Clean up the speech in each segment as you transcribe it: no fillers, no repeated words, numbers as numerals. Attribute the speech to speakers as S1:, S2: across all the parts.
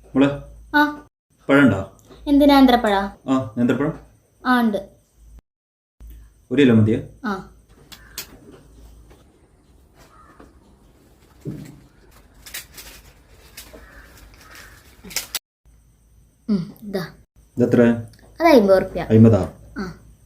S1: മോളെ
S2: ആ
S1: പഴമുണ്ടോ?
S2: എന്തിനാ നേന്ത്രപ്പഴ?
S1: ആ നേന്ത്രപ്പഴം
S2: ആ ഉണ്ട്.
S1: 1 കിലോ മതിയോ?
S2: ആ ഇതാ
S1: ഇതെത്ര?
S2: അത് 50 റുപ്യ.
S1: 50.
S2: ആ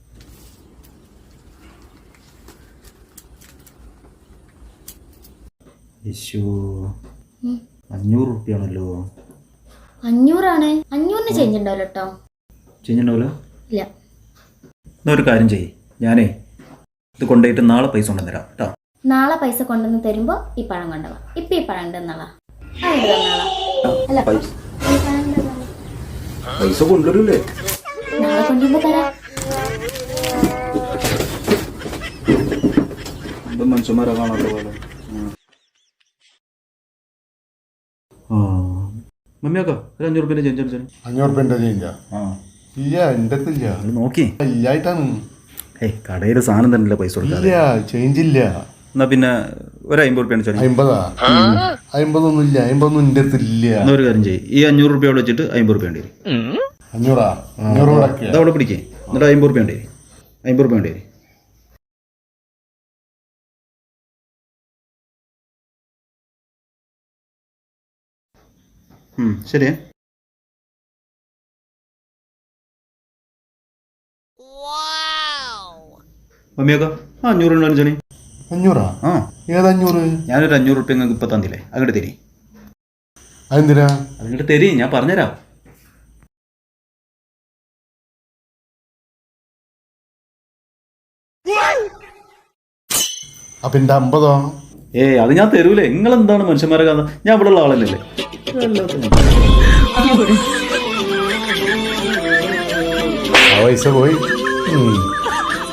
S1: യേശോ 500 റുപ്യാണല്ലോ.
S2: 500 ആണ്. 500-ന് ചേഞ്ച് ഉണ്ടാവില്ല കേട്ടോ.
S1: ചെയ്യുന്നുണ്ടാവില്ല?
S2: ഇല്ല.
S1: എന്നാ ഒരു കാര്യം ചെയ്യ്, ഞാനേ ഇത് കൊണ്ടുപോയിട്ട് നാളെ പൈസ കൊണ്ടുവന്നരാം കേട്ടോ.
S2: നാളെ പൈസ കൊണ്ടുവന്ന് തരുമ്പോ ഈ പഴം കൊണ്ടുപോവാ. ഇപ്പൊ ഈ പഴം ഉണ്ടെന്നാളാ അല്ല
S1: പൈസ
S2: ഈ പഴം ഉണ്ടെന്നാളാ.
S1: പൈസ കൊണ്ടുവരൂലേ?
S2: നാളെ കൊണ്ടുവരുമ്പോ തരാം.
S1: എന്തും മനുഷ്യന്മാരെ കാണാത്ത പോലെ. ആ മമ്മിയാക്കോ ഒരു 500 റുപ്യൻ്റെ ചേഞ്ച് അടിച്ചാൽ.
S3: 500 റുപ്യൻ്റെ ചേഞ്ചാ?
S1: ആ
S3: ഇല്ല, എൻ്റെ അടുത്തില്ല.
S1: അത് നോക്കി.
S3: ഇല്ലായിട്ടാണ്.
S1: ഏയ് കടയിൽ സാധനം തന്നെയല്ലേ പൈസ കൊടുക്കാതെ.
S3: ഇല്ല, ചേഞ്ച് ഇല്ല.
S1: എന്നാ പിന്നെ ഒരു 50 റുപ്യാണ് ചോദിച്ചു.
S3: 50? 50 ഇല്ല. 50 എൻ്റെ അടുത്തില്ല.
S1: എന്നാ ഒരു കാര്യം ചെയ്യ്, ഈ 500 റുപ്യ അവിടെ വെച്ചിട്ട് 50 റുപ്യ വേണ്ടി വരും.
S3: 500? 500 മുടക്കിയ
S1: അതവിടെ പിടിക്കേ, എന്നിട്ട് 50 റുപ്യ വേണ്ടി വരും. 50 റുപ്യ വേണ്ടി വരും. ശരിയേ. മമ്മിയാക്കോ ആ 500 ഉണ്ടോ ജണി?
S3: 500?
S1: ആ
S3: ഏത് 500?
S1: ഞാനൊരു 500 റുപ്യ നിങ്ങൾക്ക് ഇപ്പം തന്നില്ലേ, അങ്ങോട്ട് തരി.
S3: അതെന്തിനാ?
S1: അങ്ങോട്ട് തരി, ഞാൻ പറഞ്ഞുതരാം.
S3: അപ്പൊ എൻ്റെ 50?
S1: ഏയ് അത് ഞാൻ തരൂലേ. നിങ്ങളെന്താണ് മനുഷ്യന്മാരെ കാണുന്നത്? ഞാൻ ഇവിടെ ഉള്ള ആളല്ലേ.
S3: ആ പൈസ പോയി.